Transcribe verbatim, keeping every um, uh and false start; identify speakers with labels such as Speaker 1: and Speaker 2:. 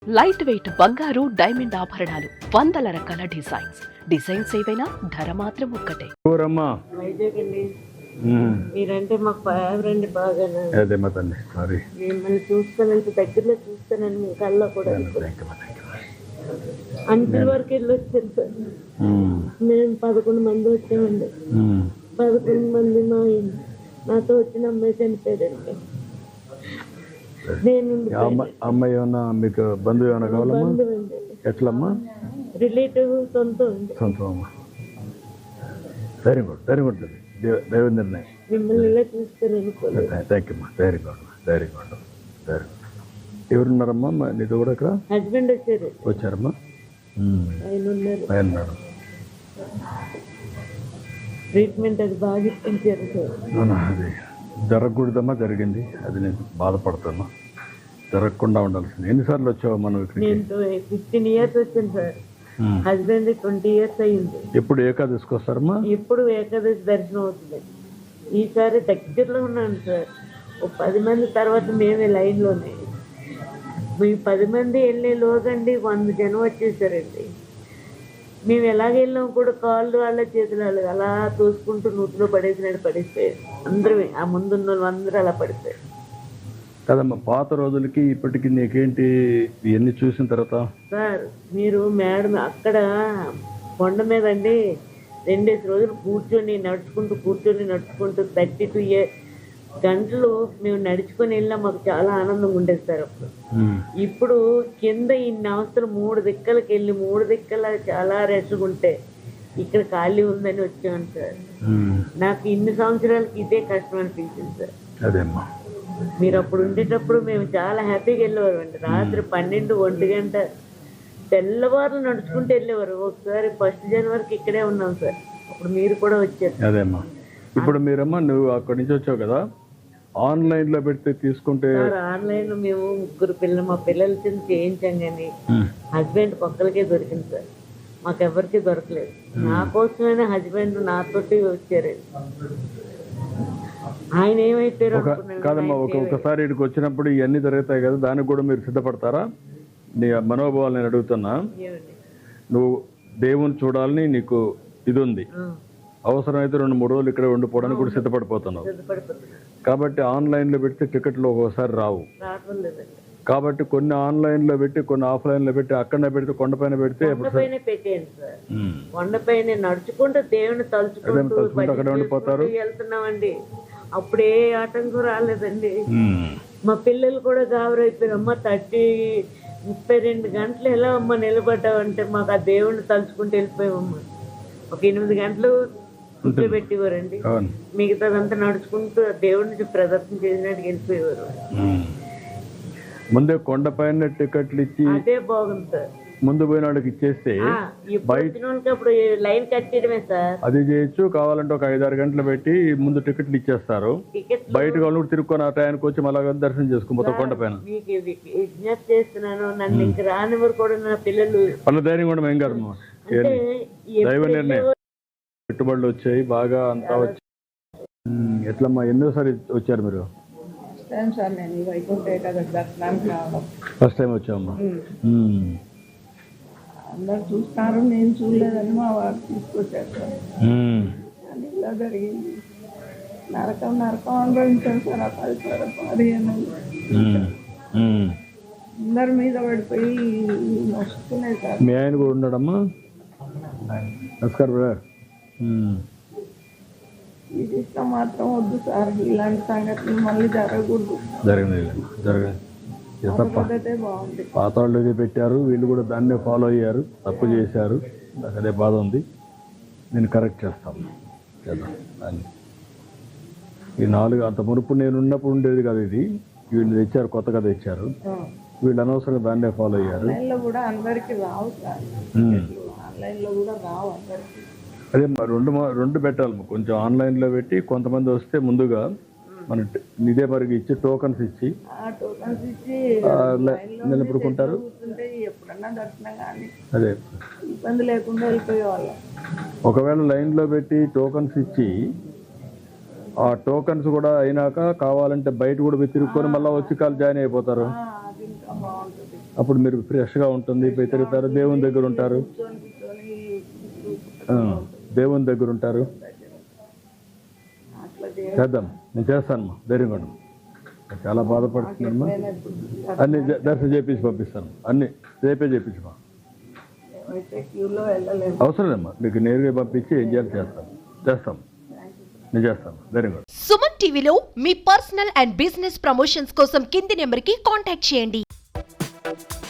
Speaker 1: Light weight బంగారు diamond ఆభరణాలు వందల రకాల డిజైన్స్ డిజైన్స్ ఏవైనా ధర మాత్రం ఒక్కటే.
Speaker 2: వైజాగ్ అండి. మీరంటే మాకు ఫేవరెట్ బాగా.
Speaker 3: అదే మా తల్లి సారీ
Speaker 2: మిమ్మల్ని చూస్తానంత దగ్గరలో చూస్తానని మీ కళ్ళలో కూడా అంచెల వరకు వెళ్ళి వచ్చాను సార్. మేము పదకొండు మంది వచ్చామండి. పదకొండు మంది మా నాతో వచ్చిన అమ్మాయి చనిపోయారండి. నేను
Speaker 3: అమ్మాయి ఏమన్నా మీకు బంధువు ఏమైనా కావాలమ్మా? ఎట్లమ్మా?
Speaker 2: రిలేటివ్ సొంతం
Speaker 3: సొంతం అమ్మా. వెరీ గుడ్ వెరీ గుడ్ దైవ నిర్ణయం.
Speaker 2: మిమ్మల్ని ఇలా చూస్తాను అనుకోలేదు.
Speaker 3: థ్యాంక్ యూ అమ్మా. Very good very good very good. ఎవరున్నారమ్మా నీతో కూడా ఇక్కడ?
Speaker 2: హస్బెండ్ వచ్చారు.
Speaker 3: వచ్చారమ్మా?
Speaker 2: ఆయన ఉన్నారు.
Speaker 3: ఆయన ఉన్నారు.
Speaker 2: ట్రీట్మెంట్ అది బాగా ఇప్పించారు సార్.
Speaker 3: అవునా? అది జరగకూడదమ్మా, జరిగింది. అది నేను బాధపడుతున్నా. జరగకుండా ఉండాల్సింది. ఎన్నిసార్లు వచ్చావు మనం ఇక్కడికి?
Speaker 2: నేను ఫిఫ్టీన్ ఇయర్స్ వచ్చాను సార్. హస్బెండ్ ట్వంటీ ఇయర్స్ అయ్యింది.
Speaker 3: ఎప్పుడు ఏకాదశికి వస్తారమ్మా?
Speaker 2: ఎప్పుడు ఏకాదశి దర్శనం అవుతుంది. ఈసారి దగ్గరలో ఉన్నాను సార్. ఓ పది మంది తర్వాత మేమే లైన్లోనే. మీ పది మంది వెళ్ళే లోగండి వంద జనం వచ్చేసారండి. మేము ఎలాగ వెళ్ళాం కూడా కాళ్ళు వాళ్ళ చేతులు వాళ్ళు అలా తోసుకుంటూ నూతిలో పడేసినట్టు పడిపోయారు. అందరూ ఆ ముందున్న వాళ్ళు అందరూ అలా పడిపోయారు
Speaker 3: కదమ్మా. పాత రోజులకి ఇప్పటికి నీకేంటి ఇవన్నీ చూసిన తర్వాత?
Speaker 2: సార్ మీరు మేడం అక్కడ కొండ మీద అండి రెండేసి రోజులు కూర్చొని నడుచుకుంటూ కూర్చొని నడుచుకుంటూ థర్టీ టూ ఇయర్ గంటలు మేము నడుచుకొని వెళ్ళినా మాకు చాలా ఆనందంగా ఉండేది సార్. అప్పుడు ఇప్పుడు కింద ఇన్ని అవస్థలు మూడు దిక్కలకి వెళ్ళి మూడు దిక్కల చాలా రెస్ట్గా ఉంటే ఇక్కడ ఖాళీ ఉందని వచ్చాను సార్. నాకు ఇన్ని సంవత్సరాలకి ఇదే కష్టం అనిపించింది సార్.
Speaker 3: అదేమ్మా.
Speaker 2: మీరు అప్పుడు ఉండేటప్పుడు మేము చాలా హ్యాపీగా వెళ్ళేవారు అండి. రాత్రి పన్నెండు ఒంటి గంట తెల్లవారులు నడుచుకుంటూ వెళ్ళేవారు. ఒకసారి ఫస్ట్ జనవరికి ఇక్కడే ఉన్నాం సార్. అప్పుడు మీరు కూడా వచ్చారు.
Speaker 3: అదేమ్మా. ఇప్పుడు మీరమ్మా నువ్వు అక్కడి నుంచి వచ్చావు కదా, ఆన్లైన్ లో పెడితే తీసుకుంటే?
Speaker 2: ఆన్లైన్ లో మేము ముగ్గురు పిల్లలు మా పిల్లల కింద చేయించాం కానీ హస్బెండ్ ఒక్కరికే దొరికింది సార్. మాకెవరికి దొరకలేదు. నా కోసమైనా హస్బెండ్ నాతోటి వచ్చారు. ఆయన ఏమైపోయారు
Speaker 3: కాదమ్మా. ఒక్కొక్కసారి ఇక్కడికి వచ్చినప్పుడు ఇవన్నీ జరుగుతాయి కదా, దానికి కూడా మీరు సిద్ధపడతారా? నీ మనోభావాలు నేను అడుగుతున్నా. నువ్వు దేవుని చూడాలని నీకు ఇది ఉంది, అవసరమైతే రెండు మూడు రోజులు ఇక్కడ ఉండిపోవడానికి కూడా సిద్ధపడిపోతున్నావు. కాబట్టి ఆన్లైన్లో పెడితే టికెట్లు ఒక్కోసారి రావు. కాబట్టి కొన్ని ఆన్లైన్లో పెట్టి కొన్ని ఆఫ్లైన్లో పెట్టి అక్కడనే పెడితే కొండపైన పెడితే
Speaker 2: కొండపైన నడుచుకుంటూ దేవుని తలుచుకుంటూ
Speaker 3: అక్కడ ఉండిపోతారు.
Speaker 2: వెళ్తున్నామండి. అప్పుడే ఆటంకం రాలేదండి. మా పిల్లలు కూడా గాబరైపోయారు. అమ్మ థర్టీ ముప్పై రెండు గంటలు ఎలా అమ్మ నిలబడ్డావంటే మాకు ఆ దేవుడిని తలుచుకుంటూ వెళ్ళిపోయామమ్మ. ఒక ఎనిమిది గంటలు కూర్చోబెట్టేవారండి. మిగతాదంతా నడుచుకుంటూ దేవుడిని ప్రదర్శన చేసినట్టు వెళ్ళిపోయేవారు.
Speaker 3: ముందే కొండపైన టికెట్లు ఇచ్చి
Speaker 2: అదే బాగుంది సార్.
Speaker 3: ముందు పోయిన వాళ్ళకి ఇచ్చేస్తే
Speaker 2: అప్పుడు లైన్ కట్టడమే సార్.
Speaker 3: అది చేయొచ్చు. కావాలంటే ఒక ఐదారు గంటలు పెట్టి ముందు టికెట్లు ఇచ్చేస్తారు. బయట వాళ్ళు తిరుక్కొని ఆ టైంకి వచ్చి మళ్ళా దర్శనం చేసుకుంటారు కొండపైన.
Speaker 2: మీకు విజ్ఞప్తి చేస్తున్నాను, నన్ను ఇంక రానివారు కూడా నా పిల్లలు
Speaker 3: వాళ్ళ ధైర్యం కూడా ఏం కాదు. దైవ నిర్ణయం. పెట్టుబడులు వచ్చాయి బాగా అంతా వచ్చాయి. ఎట్లమ్మా ఎన్నోసారి వచ్చారు మీరు? ఫస్ట్ టైం వచ్చామమ్మా.
Speaker 4: అందరు చూస్తారు, నేను చూడలేదని మా వారు తీసుకొచ్చారు సార్. అది ఇలా జరిగింది. నరకం నరకం అనుభవించారు సార్. ఆ పది పదిహేను అందరి మీద పడిపోయి నొస్తున్నాయి సార్.
Speaker 3: మీ ఆయన కూడా ఉన్నాడమ్మా? నమస్కారం బ్రదర్.
Speaker 4: ఇది ఇష్టం మాత్రం వద్దు సార్. ఇలాంటి సంఘటనలు మళ్ళీ జరగకూడదు.
Speaker 3: జరగలేదు జరగలేదు
Speaker 4: బాగుంది.
Speaker 3: పాత వాళ్ళు ఏదో పెట్టారు, వీళ్ళు కూడా దాన్నే ఫాలో అయ్యారు, తప్పు చేశారు. నాకు అదే బాధ ఉంది. నేను కరెక్ట్ చేస్తాను చేద్దాం దాన్ని. ఈ నాలుగు అంత మునుపు నేను ఉన్నప్పుడు ఉండేది కదా ఇది. వీళ్ళు తెచ్చారు, కొత్తగా తెచ్చారు. వీళ్ళు అనవసరంగా దాన్నే ఫాలో అయ్యారు.
Speaker 4: కూడా అందరికి రావు సార్. ఆన్లైన్లో కూడా రావు అందరికి.
Speaker 3: అదే రెండు రెండు పెట్టాలి. కొంచెం ఆన్లైన్లో పెట్టి కొంతమంది వస్తే ముందుగా మన ఇదే మరికి ఇచ్చి టోకన్స్ ఇచ్చి నిలబడుకుంటారు. అదే
Speaker 4: ఇబ్బంది లేకుండా వెళ్ళిపోయేవాళ్ళం.
Speaker 3: ఒకవేళ లైన్లో పెట్టి టోకన్స్ ఇచ్చి ఆ టోకన్స్ కూడా అయినాక కావాలంటే బయట కూడా తిరుక్కొని మళ్ళీ వచ్చి కాలు జాయిన్ అయిపోతారు.
Speaker 4: అది ఇంకా బాగుంటుంది.
Speaker 3: అప్పుడు మీరు ఫ్రెష్గా ఉంటుంది, పోయి తిరుగుతారు, దేవుని దగ్గర ఉంటారు.
Speaker 4: కూర్చొని కూర్చొని
Speaker 3: ఆ, దేవుని దగ్గర ఉంటారు.
Speaker 4: అట్లా చేయ-
Speaker 3: చేద్దాం, నేను చేస్తానమ్మా, ధైర్యంగా ఉండు. చాలా బాధపడుతున్నామ్మా. అన్ని జ- దర్శనం చేపించి పంపిస్తాను, అన్ని రేపే చేపించమా.
Speaker 4: మేమైతే క్యూలో వెళ్ళలేము.
Speaker 3: అవసరం లేమ్మా, మీకు నేరుగా పంపించి ఏం చేయాలి చేస్తాం చేస్తాం నేను చేస్తాను, ధైర్యంగా ఉండు.
Speaker 5: సుమన్ టీవీలో మీ పర్సనల్ అండ్ బిజినెస్ ప్రమోషన్స్ కోసం కింది నెంబర్కి కాంటాక్ట్ చేయండి.